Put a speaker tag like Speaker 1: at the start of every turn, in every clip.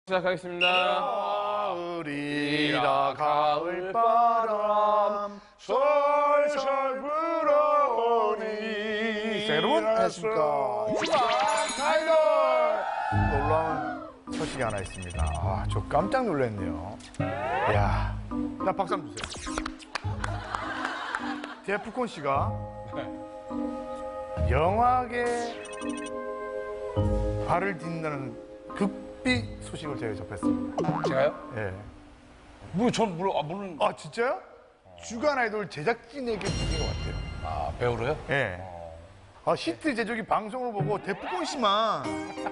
Speaker 1: 시작하겠습니다.
Speaker 2: 가을이라 가을바람 솔솔 불어오니. 자, 여러분 안녕하십니까. 주간 아이돌. 놀라운 소식이 하나 있습니다. 아, 저 깜짝 놀랐네요. 이야, 나 박수 한번 주세요. 데프콘 씨가 영화계 발을 딛는다는 극비 소식을 제가 접했습니다.
Speaker 3: 제가요?
Speaker 2: 예.
Speaker 3: 물론.
Speaker 2: 아, 진짜요? 주간 아이돌 제작진에게 들린 것 같아요.
Speaker 3: 아, 배우로요?
Speaker 2: 예. 아, 히트 제조기 방송을 보고 데프콘 씨만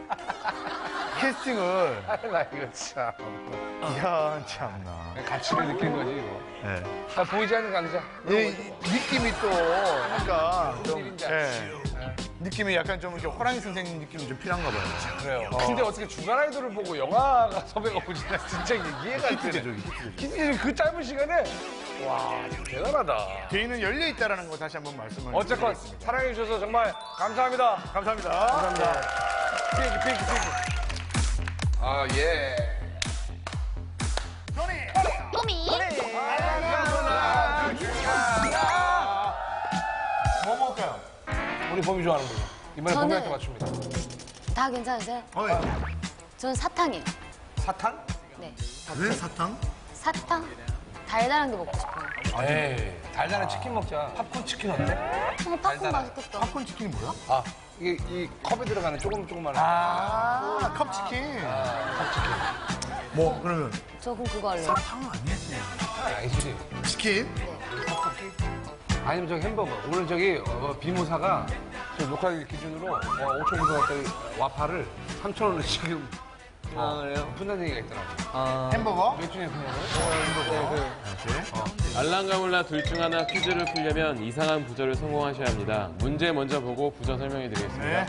Speaker 2: 캐스팅을.
Speaker 3: 나 이거 참.
Speaker 2: 이야, 참나.
Speaker 3: 가치를 느낀 거지, 이거.
Speaker 2: 예.
Speaker 3: 나 보이지 않는 강자.
Speaker 2: 느낌이 또, 그러니까. 좀,
Speaker 3: 일인자.
Speaker 2: 예. 느낌이 약간 좀 이렇게 호랑이 선생님 느낌이 좀 필요한가 봐요.
Speaker 3: 그래요. 근데 어떻게 주간 아이돌을 보고 영화가 섭외가 오지? 나 진짜 이해가 안
Speaker 2: 히트
Speaker 3: 되네.
Speaker 2: 제조기, 히트 제조기.
Speaker 3: 히트 제조기 그 짧은 시간에. 와, 대단하다.
Speaker 2: 개인은 열려있다라는 거 다시 한번 말씀을
Speaker 3: 어쨌건
Speaker 2: 드리겠습니다.
Speaker 3: 사랑해주셔서 정말 감사합니다.
Speaker 2: 감사합니다. 감사합니다.
Speaker 3: 핑크. 아, 예.
Speaker 4: 꼬미.
Speaker 2: 뭐 먹을까요?
Speaker 3: 우리 봄이 좋아하는 거죠. 이번에
Speaker 4: 저는-
Speaker 3: 봄이한테 맞춥니다.
Speaker 4: 다 괜찮으세요?
Speaker 2: 예.
Speaker 4: 저는 사탕이요.
Speaker 3: 사탕?
Speaker 4: 네.
Speaker 2: 왜 사탕?
Speaker 4: 사탕? 달달한 게 먹고 싶어요.
Speaker 3: 에이, 달달한 치킨 먹자. 팝콘 치킨 어때?
Speaker 4: 팝콘
Speaker 3: 달달한.
Speaker 4: 맛있겠다.
Speaker 2: 팝콘 치킨이 뭐야?
Speaker 3: 아, 이게 이 컵에 들어가는 조그만.
Speaker 2: 아, 컵치킨. 뭐, 그러면
Speaker 4: 저 그럼 그거 할래요.
Speaker 2: 사탕은 아니지.
Speaker 3: 아니지.
Speaker 2: 치킨?
Speaker 3: 아니면 저기 햄버거. 오늘 저기 비모사가 저 녹화 기준으로 5,000원짜리 와파를 3,000원을 지금 푼다는 얘기가 있더라고요.
Speaker 2: 햄버거?
Speaker 3: 몇 중에 그냥
Speaker 1: 알랑가몰라 둘 중 하나 퀴즈를 풀려면 이상한 부절을 성공하셔야 합니다. 문제 먼저 보고 부절 설명해 드리겠습니다.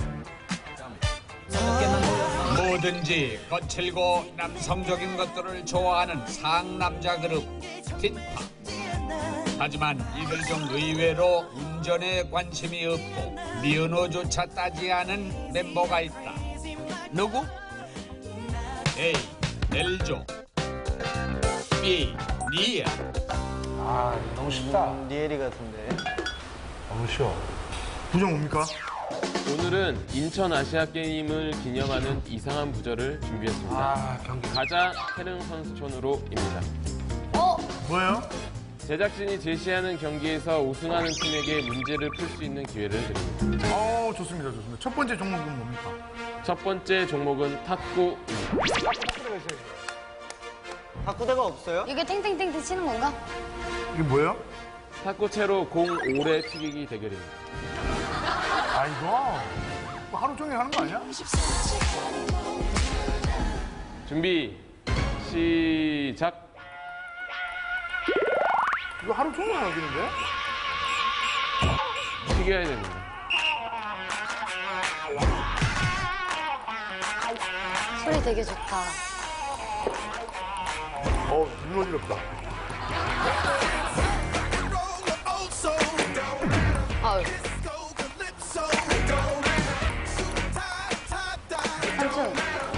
Speaker 2: 네.
Speaker 5: 뭐든지 거칠고 남성적인 것들을 좋아하는 상남자 그룹 틴파. 하지만 이들 중 의외로 운전에 관심이 없고 면허조차 따지 않은 멤버가 있다. 누구? A. 엘조 B. 니아.
Speaker 3: 아, 너무 쉽다.
Speaker 6: 리에리 같은데.
Speaker 3: 너무 쉬워.
Speaker 2: 부정 뭡니까?
Speaker 1: 오늘은 인천 아시아 게임을 기념하는 이상한 부절을 준비했습니다.
Speaker 3: 아, 경기.
Speaker 1: 가자 태릉 선수촌으로입니다.
Speaker 2: 뭐예요?
Speaker 1: 제작진이 제시하는 경기에서 우승하는 팀에게 문제를 풀 수 있는 기회를 드립니다.
Speaker 2: 좋습니다, 좋습니다. 첫 번째 종목은 뭡니까?
Speaker 1: 첫 번째 종목은 탁구.
Speaker 6: 바꾸대가 없어요?
Speaker 4: 이게 탱탱탱탱 치는 건가?
Speaker 2: 이게 뭐예요?
Speaker 1: 탁구채로 공 오래 튀기기 대결입니다.
Speaker 2: 아, 이거 뭐 하루 종일 하는 거 아니야?
Speaker 1: 준비, 시작.
Speaker 2: 이거 하루 종일 하겠는데?
Speaker 1: 튀겨야 됩니다.
Speaker 4: 소리 되게 좋다.
Speaker 2: 눈 어지럽다.
Speaker 4: 아유. 삼촌.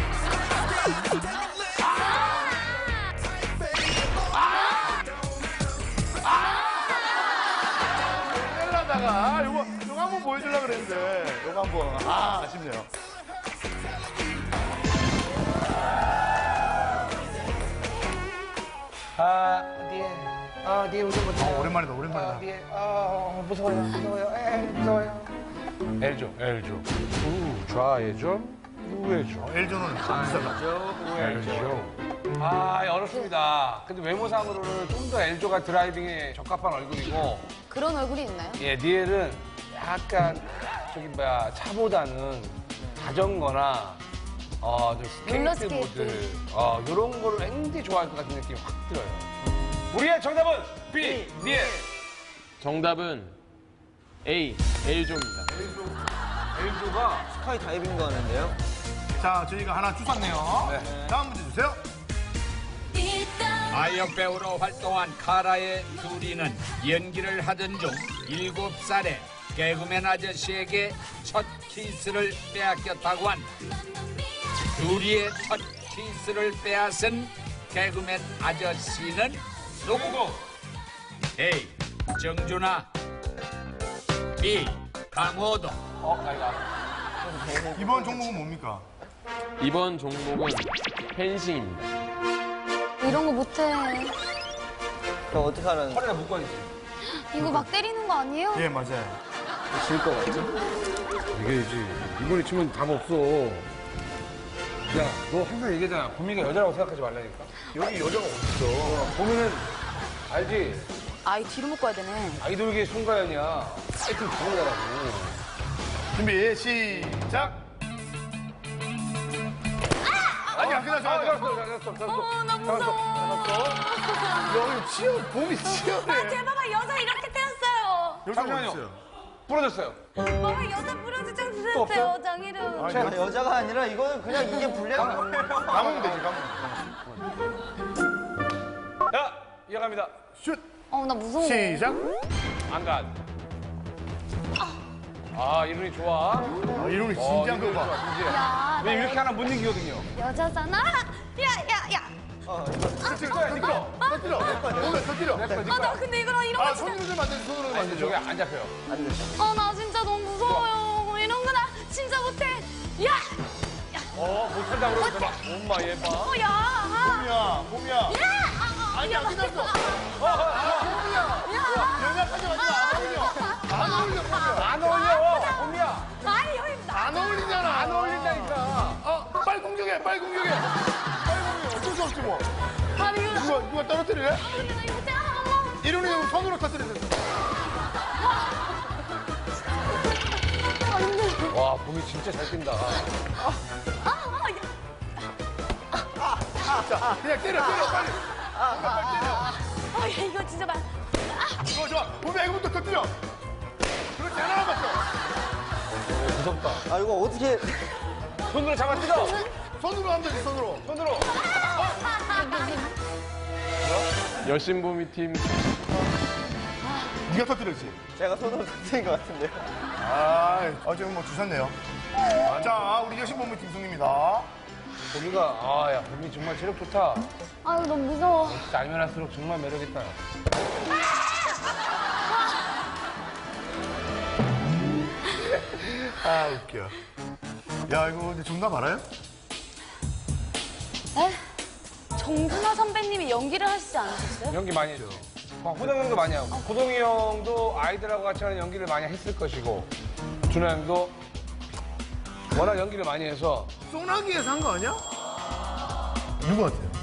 Speaker 2: 헬라다가 요거 한번 보여주려고 그랬는데 요거 한번 아쉽네요.
Speaker 3: 니에 우승 못해.
Speaker 2: 오랜만이다, 오랜만이다.
Speaker 3: 니에, 무서워요. 무서워요. 엘조. 좌회전, 우회전.
Speaker 2: 엘조는 비싸다.
Speaker 3: 엘조. 아, 어렵습니다. 근데 외모상으로는 좀 더 엘조가 드라이빙에 적합한 얼굴이고,
Speaker 4: 그런 얼굴이 있나요?
Speaker 3: 예, 니엘은 약간, 차보다는 자전거나, 좀
Speaker 4: 롤러
Speaker 3: 스케이트보드, 이런 거를 굉장히 좋아할 것 같은 느낌이 확 들어요. 우리의 정답은 B, 니엘.
Speaker 1: 정답은 A, 엘조입니다.
Speaker 3: 엘조가
Speaker 6: 스카이 다이빙도 하는데요?
Speaker 2: 자, 저희가 하나 주셨네요.
Speaker 3: 네.
Speaker 2: 다음 문제 주세요.
Speaker 5: 아역 배우로 활동한 카라의 둘이는 연기를 하던 중 7살에 개그맨 아저씨에게 첫 키스를 빼앗겼다고 한다. 둘이의 첫 키스를 빼앗은 개그맨 아저씨는 누구고? A. 정준하, B. 강호동.
Speaker 2: 이번 종목은 뭡니까?
Speaker 1: 이번 종목은 펜싱입니다.
Speaker 4: 이런 거 못해.
Speaker 6: 그럼 어떻게 하라는
Speaker 3: 허리에 묶어야지.
Speaker 4: 이거 막 때리는 거 아니에요?
Speaker 2: 예, 맞아요.
Speaker 6: 질것 같지?
Speaker 3: 이겨야지. 이번에 치면 답 없어. 야, 너 항상 얘기하잖아. 보미가 여자라고 생각하지 말라니까. 여기 여자가 어딨어. 보미는 알지?
Speaker 4: 아이, 뒤로 묶어야 되네.
Speaker 3: 아이돌계의 송가연이야. 하여튼 강호자라고.
Speaker 2: 준비, 시작! 아니, 안 끝났어.
Speaker 4: 나 무서워.
Speaker 2: 여기 봄이 치열해.
Speaker 4: 제 봐봐, 여자 이렇게 때렸어요.
Speaker 2: 여기
Speaker 3: 잠시만요.
Speaker 2: 어딨어요?
Speaker 3: 부러졌어요.
Speaker 4: 봐봐, 여자 부러지 좀
Speaker 3: 또
Speaker 4: 드렸어요, 장이름.
Speaker 2: 아니,
Speaker 6: 아, 여자가 아니라 이거는 그냥 이게 불리한 거예요.
Speaker 2: 감으면 되지, 감으면.
Speaker 3: 야, 이어갑니다.
Speaker 2: 슛!
Speaker 4: 나 무서워.
Speaker 2: 시작!
Speaker 3: 안 가. 아, 이론이 좋아.
Speaker 2: 아, 이름이 진지한 거 봐.
Speaker 3: 진지해.
Speaker 4: 야,
Speaker 3: 왜 이렇게 하나 못 이기거든요.
Speaker 4: 여자잖아. 야.
Speaker 2: 터뜨려. 오늘 터뜨려.
Speaker 4: 나 근데 이거랑 이런
Speaker 2: 아,
Speaker 4: 거 진짜.
Speaker 2: 손으로 좀 만들지, 손으로 좀
Speaker 3: 아니,
Speaker 2: 만들죠.
Speaker 3: 저게 안 잡혀요.
Speaker 4: 나 진짜 너무 무서워요. 이런 거 나 진짜 못해. 야!
Speaker 3: 못한다 그러면 봐. 엄마, 얘 봐.
Speaker 4: 야!
Speaker 2: 봄이야. 아니, 안 끝났어. 연락하지 마지 마. 안 어울려, 봄이야.
Speaker 3: 안 어울려, 봄이야.
Speaker 4: 아니, 여기 나.
Speaker 2: 안 어울리잖아.
Speaker 3: 안 어울린다니까.
Speaker 2: 빨리 공격해. 어쩔 수 없지 뭐.
Speaker 4: 아니, 이거.
Speaker 2: 누가 떨어뜨릴래?
Speaker 4: 근데 나 이거 제가 한 번.
Speaker 2: 이름이 손으로 터뜨리세요.
Speaker 3: 와, 봄이 진짜 잘 뛴다.
Speaker 2: 자, 그냥 때려, 빨리.
Speaker 4: 야, 이거 진짜 말.
Speaker 2: 좋아. 봄이야, 이거부터 터뜨려. 그렇지, 하나 남았어.
Speaker 3: 무섭다.
Speaker 6: 아, 이거 어떻게.
Speaker 3: 손으로 잡아 뜯어.
Speaker 2: 손으로 하면 되지, 손으로.
Speaker 1: 여신보미 팀
Speaker 2: 네가 터뜨렸지?
Speaker 6: 제가 손으로 터뜨린 것 같은데요.
Speaker 2: 지금 뭐 주셨네요. 자, 우리 여신본부 팀 승리입니다.
Speaker 3: 봄이가, 야, 봄이 정말 체력 좋다.
Speaker 4: 아유, 너무 무서워.
Speaker 3: 진짜 알면 할수록 정말 매력있다.
Speaker 2: 웃겨. 야, 이거 근데 정답 알아요?
Speaker 4: 에? 정준하 선배님이 연기를 하시지 않으셨어요?
Speaker 3: 연기 많이 했죠. 호동 형도 많이 하고. 호동이 형도 아이들하고 같이 하는 연기를 많이 했을 것이고, 준하 형도 워낙 연기를 많이 해서.
Speaker 2: 소나기에서 한 거 아니야? 누구 같아요?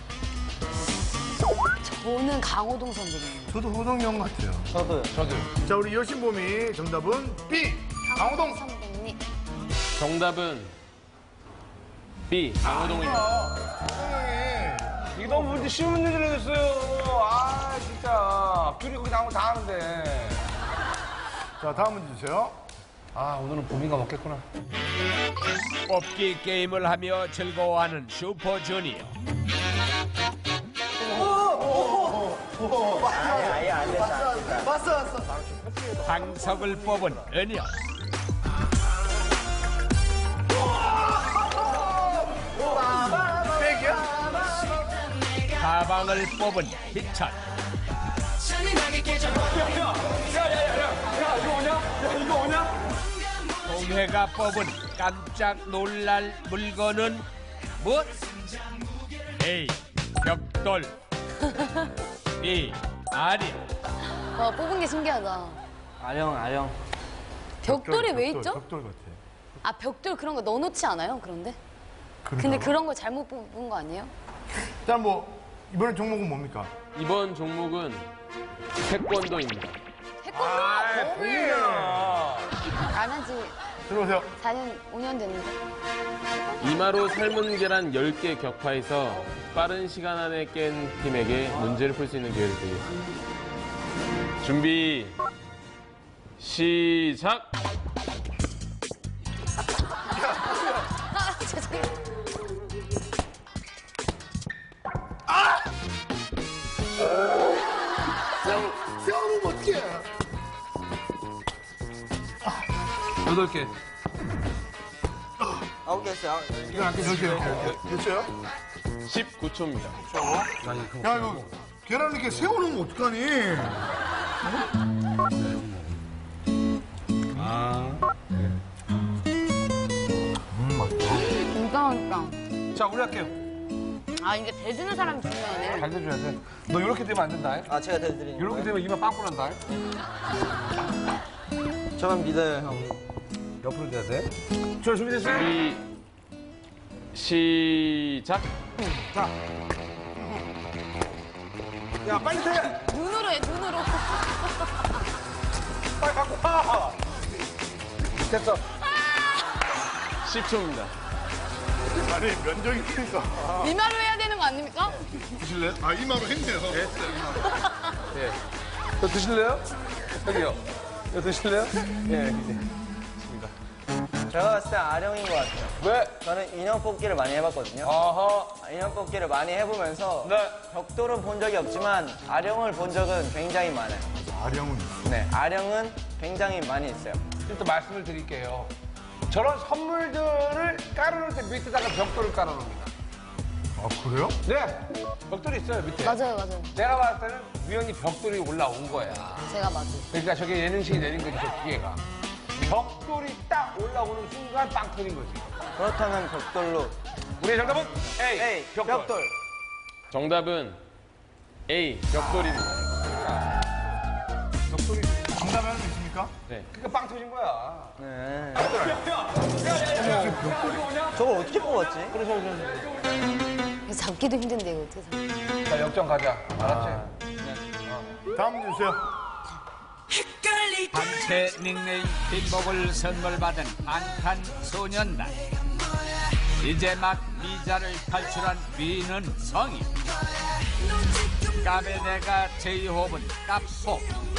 Speaker 4: 저는 강호동 선배님.
Speaker 2: 저도 호동이 형 같아요.
Speaker 6: 저도요.
Speaker 3: 저도.
Speaker 2: 자, 우리 여신봄이 정답은 B. 강호동.
Speaker 4: 선배님.
Speaker 1: 정답은 B. 강호동입니다.
Speaker 3: 이게 너무 문제 쉬운 문제를 냈어요. 아, 진짜. 귤이 거기 나오면 다 하는데.
Speaker 2: 자, 다음 문제 주세요.
Speaker 3: 오늘은 봄이가 먹겠구나.
Speaker 5: 뽑기 게임을 하며 즐거워하는 슈퍼주니어.
Speaker 6: 아예 안 됐다. 왔어.
Speaker 5: 방석을 뽑은 은혁.
Speaker 2: 백이야?
Speaker 5: 가방을 뽑은 희철. 동해가 뽑은 깜짝 놀랄 물건은 무엇? A. 벽돌. B. 아리.
Speaker 4: 뽑은 게 신기하다.
Speaker 6: 아령.
Speaker 4: 벽돌이 왜 있죠?
Speaker 2: 벽돌 같아.
Speaker 4: 벽돌 그런 거 넣어놓지 않아요? 그런데? 근데
Speaker 2: 그러니까.
Speaker 4: 그런 거 잘못 뽑은 거 아니에요?
Speaker 2: 자, 뭐 이번엔 종목은 뭡니까?
Speaker 1: 이번 종목은 태권도입니다.
Speaker 4: 태권도?
Speaker 3: 봄이야.
Speaker 4: 안 한 지
Speaker 2: 들어오세요.
Speaker 4: 4년, 5년 됐는데.
Speaker 1: 이마로 삶은 계란 10개 격파해서 빠른 시간 안에 깬 팀에게 문제를 풀 수 있는 기회를 드리겠습니다. 준비, 시작!
Speaker 4: 죄송해요.
Speaker 2: 세워놓으면 어떡해.
Speaker 3: 8개.
Speaker 6: 9개 했어요.
Speaker 3: 이건 아까 저렇게
Speaker 2: 됐어요?
Speaker 1: 19초입니다.
Speaker 2: 야, 이거 계란 이렇게 세워놓으면 어떡하니?
Speaker 4: 진짜 맛있다.
Speaker 3: 자, 우리 할게요.
Speaker 4: 아, 이게 대주는 사람이 중요하네.
Speaker 3: 잘 대줘야 돼. 너 이렇게 되면 안 된다.
Speaker 6: 아, 제가 대드리는
Speaker 3: 이렇게
Speaker 6: 거예요?
Speaker 3: 되면 이만 빵꾸 난다.
Speaker 6: 저만 믿어요, 형.
Speaker 3: 옆으로 돼야 돼. 저 준비됐어요?
Speaker 1: 준비 시작.
Speaker 3: 자. 야, 빨리 돼!
Speaker 4: 눈으로 해, 눈으로.
Speaker 3: 빨리 갖고 와! 됐어.
Speaker 1: 10초입니다.
Speaker 2: 아니, 면적이 크니까.
Speaker 4: 이마로 해야 되는 거 아닙니까?
Speaker 2: 드실래요? 아, 이마로 했네요.
Speaker 3: 예. 저 드실래요? 여기요. 이거 드실래요? 예.
Speaker 6: 제가 봤을 때 아령인 것 같아요.
Speaker 3: 왜?
Speaker 6: 저는 인형 뽑기를 많이 해봤거든요.
Speaker 3: 아하.
Speaker 6: 인형 뽑기를 많이 해보면서
Speaker 3: 네.
Speaker 6: 벽돌은 본 적이 없지만 아령을 본 적은 굉장히 많아요.
Speaker 2: 아령은.
Speaker 6: 네, 아령은 굉장히 많이 있어요.
Speaker 3: 일단 말씀을 드릴게요. 저런 선물들을 깔아놓을 때 밑에다가 벽돌을 깔아놓습니다.
Speaker 2: 아, 그래요?
Speaker 3: 네. 벽돌이 있어요, 밑에.
Speaker 4: 맞아요, 맞아요.
Speaker 3: 내가 봤을 때는 우연히 벽돌이 올라온 거야.
Speaker 4: 제가 맞아요.
Speaker 3: 그러니까 저게 예능식이 내린 거지, 저 기계가. 벽돌이 딱 올라오는 순간 빵 터진 거지.
Speaker 6: 그렇다면 벽돌로.
Speaker 3: 우리의 정답은 A.
Speaker 6: 에이, 벽돌.
Speaker 1: 정답은 A. 벽돌입니다.
Speaker 3: 벽돌이.
Speaker 2: 정답 하나 있습니까?
Speaker 1: 네.
Speaker 3: 그러니까 빵 터진 거야.
Speaker 6: 네. 저걸 어떻게 뽑았지?
Speaker 4: 이거 잡기도 힘든데, 이거 어떻게 잡
Speaker 3: 자, 역전 가자. 알았지?
Speaker 2: 다음 문제 주세요.
Speaker 5: 단체 닉네임 빈복을 선물 받은 방탄소년단. 이제 막 미자를 탈출한 위는 성인. 까베네가 제이홉은 까포.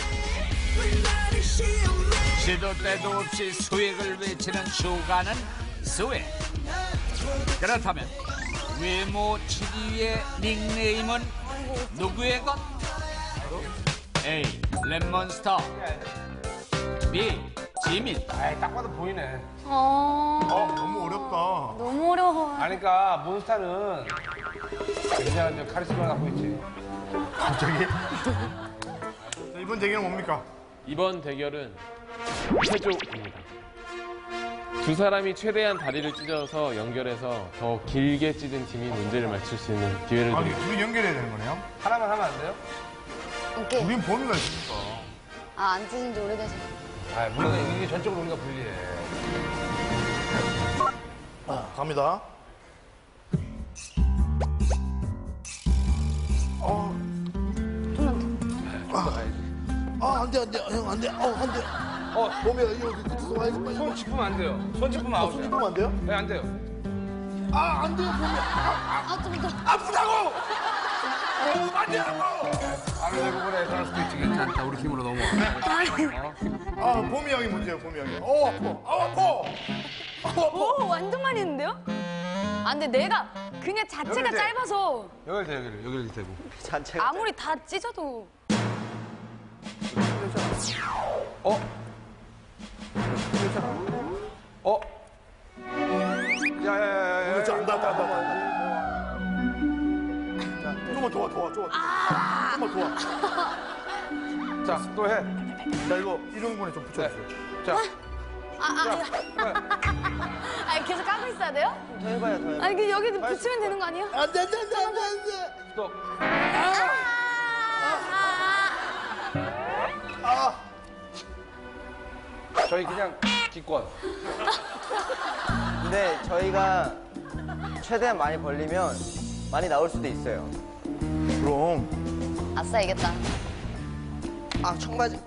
Speaker 5: 시도 때도 없이 수익을 외치는 슈가는 스웩. 그렇다면 외모 7위의 닉네임은 누구의 것? A. 랩몬스터, B. 지민.
Speaker 3: 에이, 딱 봐도 보이네.
Speaker 2: 너무 어렵다.
Speaker 4: 너무 어려워.
Speaker 3: 아니, 그러니까 몬스타는 굉장한 카리스마를 갖고 있지.
Speaker 2: 갑자기? 자, 이번 대결은 뭡니까?
Speaker 1: 이번 대결은 체조입니다. 두 사람이 최대한 다리를 찢어서 연결해서 더 길게 찢은 팀이 문제를 맞출 수 있는 기회를
Speaker 2: 아니,
Speaker 1: 드립니다.
Speaker 2: 둘이 연결해야 되는 거네요?
Speaker 3: 하나만 하면 안 돼요?
Speaker 4: 이렇게.
Speaker 2: 우린 범위가 있으니까.
Speaker 4: 아, 안 찢은 지 오래돼서.
Speaker 3: 아, 물론 이게 전적으로 우리가 불리해.
Speaker 2: 갑니다. 안 돼, 안 돼. 형, 안 돼. 안 돼. 몸에 이거 끝에서 와야지. 빨리.
Speaker 3: 손 짚으면 안 돼요. 손 짚으면 아웃이야.
Speaker 2: 손 짚으면 안 돼요?
Speaker 3: 네, 안 돼요.
Speaker 2: 안 돼요, 몸에.
Speaker 4: 아, 좀 더.
Speaker 2: 아프다고! 안 돼요!
Speaker 3: 안 되고 그래. 그럴 수도 있지. 괜찮다. 우리 팀으로 넘어와.
Speaker 2: 봄이 형이 문제예요, 봄이 형이. 아파!
Speaker 4: 오, 완전 많이 했는데요? 아, 근데 내가 그냥 자체가
Speaker 3: 여기 돼.
Speaker 4: 짧아서
Speaker 3: 여기를 대고.
Speaker 6: 자체가.
Speaker 4: 아무리 다 찢어도.
Speaker 3: 어? 야야야야.
Speaker 2: 안 돼. 좀만 도와. 좀만 도와.
Speaker 3: 자, 또 해.
Speaker 2: 자, 이거 이런 좀 붙여주세요.
Speaker 3: 자,
Speaker 4: 아니, 계속 까고 있어야 돼요?
Speaker 6: 더 해봐요, 더 해봐요.
Speaker 4: 아니, 그 여기 붙이면 되는 거 아니에요?
Speaker 2: 안 돼.
Speaker 3: 스톱. 저희 그냥 기권.
Speaker 6: 근데 저희가 최대한 많이 벌리면 많이 나올 수도 있어요.
Speaker 2: 그럼.
Speaker 4: 아싸, 이겼다.
Speaker 6: 아, 청바지.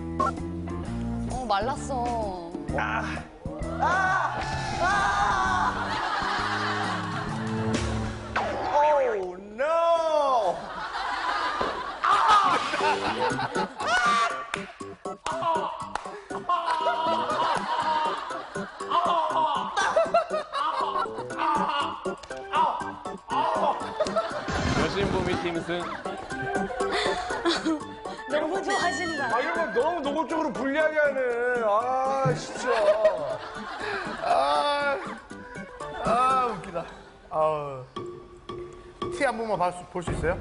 Speaker 4: 말랐어.
Speaker 6: Oh, no!
Speaker 1: 여신보미 팀 승.
Speaker 4: 너무 좋아하신다.
Speaker 3: 아, 이런 거 너무 노골적으로 불리하게 하네. 아, 진짜.
Speaker 2: 티 한 번만 볼 수 있어요?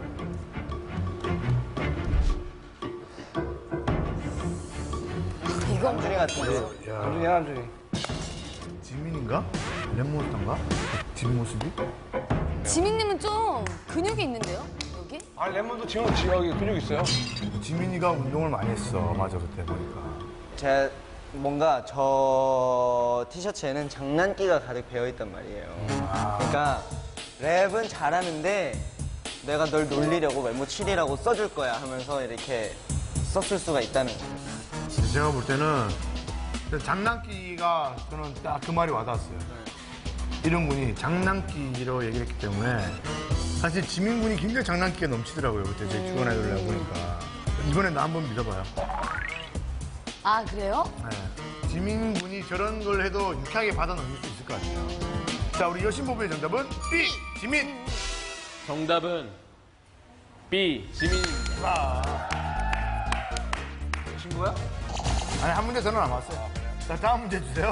Speaker 6: 남준이 같은데.
Speaker 3: 남준이 남준이.
Speaker 2: 지민인가? 랩몬스터인가? 뒷모습이?
Speaker 4: 지민님은 좀 근육이 있는데요? 여기?
Speaker 3: 아 레몬도 지금 여기 근육 있어요.
Speaker 2: 지민이가 운동을 많이 했어. 맞아, 그때 보니까.
Speaker 6: 제가 뭔가 저 티셔츠에는 장난기가 가득 배어있단 말이에요. 그러니까 랩은 잘하는데 내가 널 놀리려고 외모 7이라고 써줄 거야 하면서 이렇게 썼을 수가 있다는 거예요.
Speaker 2: 제가 볼 때는 장난기가 저는 딱 그 말이 와닿았어요. 이런 분이 장난기로 얘기를 했기 때문에 사실 지민 군이 굉장히 장난기가 넘치더라고요. 그때 제 주간 아이돌 내가 보니까. 이번에 나 한번 믿어봐요.
Speaker 4: 아, 그래요?
Speaker 2: 네. 지민 군이 저런 걸 해도 유쾌하게 받아 넘길 수 있을 것 같아요. 자, 우리 여신보부의 정답은 B, 지민.
Speaker 1: 정답은 B, 지민입니다.
Speaker 3: 친구야?
Speaker 2: 아니, 한 문제 저는 남았어요. 자, 다음 문제 주세요.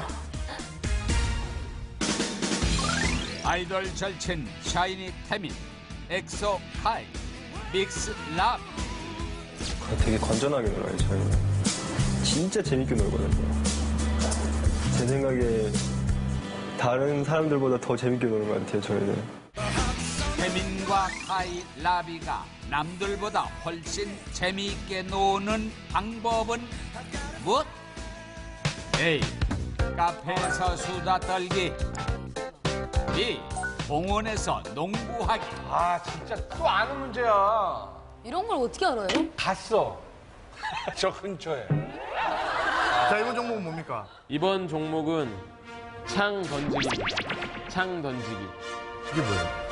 Speaker 5: 아이돌 절친 샤이니 태민, 엑소 카이, 믹스 랍.
Speaker 7: 되게 건전하게 놀아요, 저희는. 진짜 재밌게 놀거든요. 제 생각에 다른 사람들보다 더 재밌게 노는 것 같아요, 저희는.
Speaker 5: 태민과 카이, 라비가 남들보다 훨씬 재미있게 노는 방법은 무엇? A. 카페에서 수다 떨기. B. 공원에서 농구하기.
Speaker 3: 아 진짜 또 아는 문제야.
Speaker 4: 이런 걸 어떻게 알아요?
Speaker 3: 갔어. 저 근처에.
Speaker 2: 자, 이번 종목은 뭡니까?
Speaker 1: 이번 종목은 창 던지기입니다. 창 던지기.
Speaker 2: 이게 뭐예요?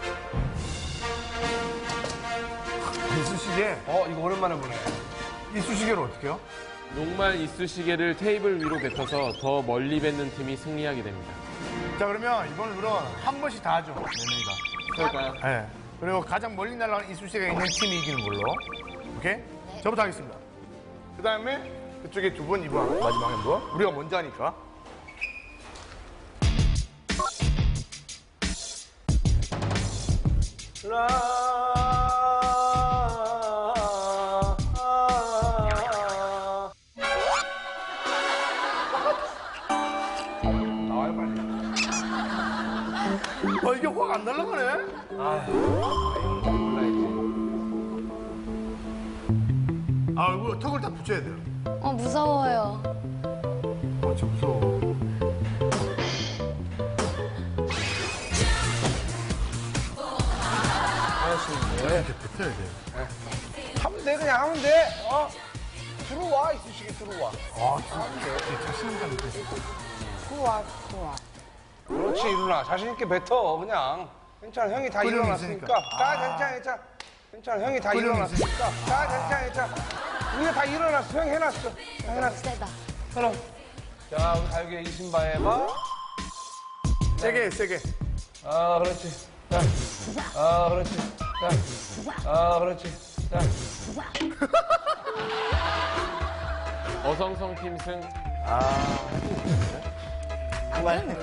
Speaker 2: 이쑤시개?
Speaker 3: 이거 오랜만에 보네.
Speaker 2: 이쑤시개를 어떻게 해요?
Speaker 1: 녹말 이쑤시개를 테이블 위로 뱉어서 더 멀리 뱉는 팀이 승리하게 됩니다.
Speaker 2: 자, 그러면 이번 룰은 한 번씩 다 하죠. 네 명이가.
Speaker 6: 그럴까요?
Speaker 2: 네. 그리고 가장 멀리 날아가는 이쑤시개가 있는 팀이 이기는 걸로. 오케이? 저부터 하겠습니다. 그 다음에 그쪽에 두 번, 이번 마지막에 한 번. 우리가 먼저 하니까.
Speaker 3: 나와요 빨리.
Speaker 2: 이게 확 안 날아가네? 이거 턱을 다 붙여야 돼요.
Speaker 4: 무서워요.
Speaker 2: 진짜 무서워. 이렇게 뱉어야 돼.
Speaker 3: 하면 돼 그냥 하면 돼. 들어와 이쑤시개 들어와.
Speaker 2: 진짜 자신감 있게.
Speaker 3: 그렇지 이루나 자신 있게 뱉어 그냥. 괜찮아 형이 다
Speaker 2: 끓이면
Speaker 3: 일어났으니까.
Speaker 2: 있으니까.
Speaker 3: 자 괜찮아. 괜찮아 형이 다
Speaker 2: 끓이면
Speaker 3: 일어났으니까. 자 괜찮아. 우리가 다 일어났어 형 해놨어. 해놨어.
Speaker 4: 세다.
Speaker 3: 그럼. 자 우리 가요계 이신바의 봐.
Speaker 2: 세게, 세게.
Speaker 3: 그렇지. 자. 그렇지. 자. 그렇지. 자.
Speaker 1: 어성성 팀 승.
Speaker 6: 정말.
Speaker 4: 안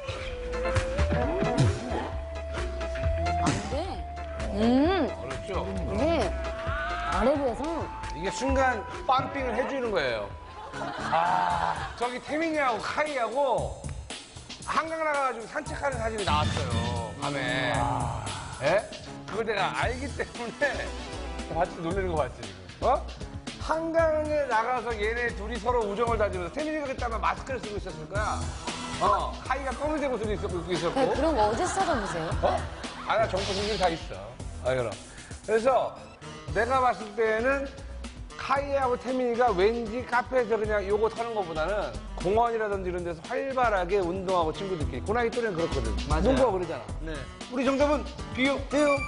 Speaker 4: 돼.
Speaker 3: 그렇죠.
Speaker 4: 이게 아래부에서
Speaker 3: 이게 순간 빰핑을 해주는 거예요. 저기 태민이하고 카이하고 한강 나가가지고 산책하는 사진이 나왔어요. 밤에. 예? 그걸 내가 알기 때문에 봤지? 놀라는 거 봤지? 지금? 한강에 나가서 얘네 둘이 서로 우정을 다지면서 태민이가 그때 아마 마스크를 쓰고 있었을 거야. 카이가 검은색 옷을 입고 있었고.
Speaker 4: 네, 그런 거 어디서 찾아보세요?
Speaker 3: 나 정보 공개는 다 있어. 그럼. 그래서 내가 봤을 때는 카이하고 태민이가 왠지 카페에서 그냥 요거 타는 것보다는 공원이라든지 이런 데서 활발하게 운동하고 친구들끼리. 그 나이 또래는 그렇거든.
Speaker 6: 맞아요.
Speaker 3: 농구하고 그러잖아.
Speaker 6: 네.
Speaker 3: 우리 정답은 비요.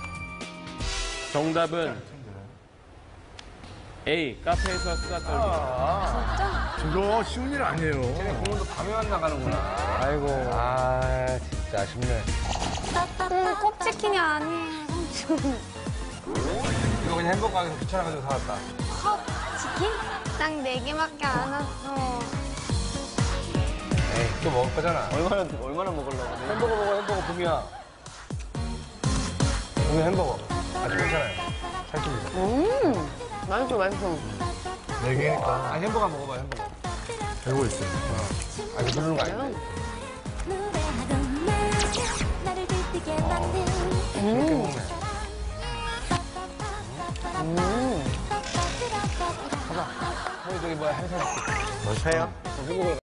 Speaker 1: 정답은 A. 카페에서 수다 떨기.
Speaker 2: 저거 쉬운 일 아니에요.
Speaker 3: 걔네 공원도 밤에만 나가는구나. 아이고. 진짜 아쉽네.
Speaker 4: 컵치킨이 아니에요, 삼촌.
Speaker 3: 이거 그냥 햄버거 가게에서 귀찮아가지고 사왔다.
Speaker 4: 컵치킨? 딱 4개밖에 안 왔어.
Speaker 3: 에이, 또 먹을 거잖아.
Speaker 6: 얼마나 먹으려고.
Speaker 3: 햄버거 먹어, 햄버거 붐이야. 이거 햄버거. 아주 괜찮아요. 살집니다.
Speaker 4: 맛있어, 맛있어.
Speaker 2: 네 개니까
Speaker 3: 아, 햄버거 먹어봐요, 햄버거.
Speaker 2: 알고 있어요.
Speaker 3: 아, 이거 부르는 거 아니에요? 이렇게 먹네. 가자. 형이 저기 뭐야, 행사 줄게.
Speaker 2: 뭐 사요?
Speaker 3: 햄버거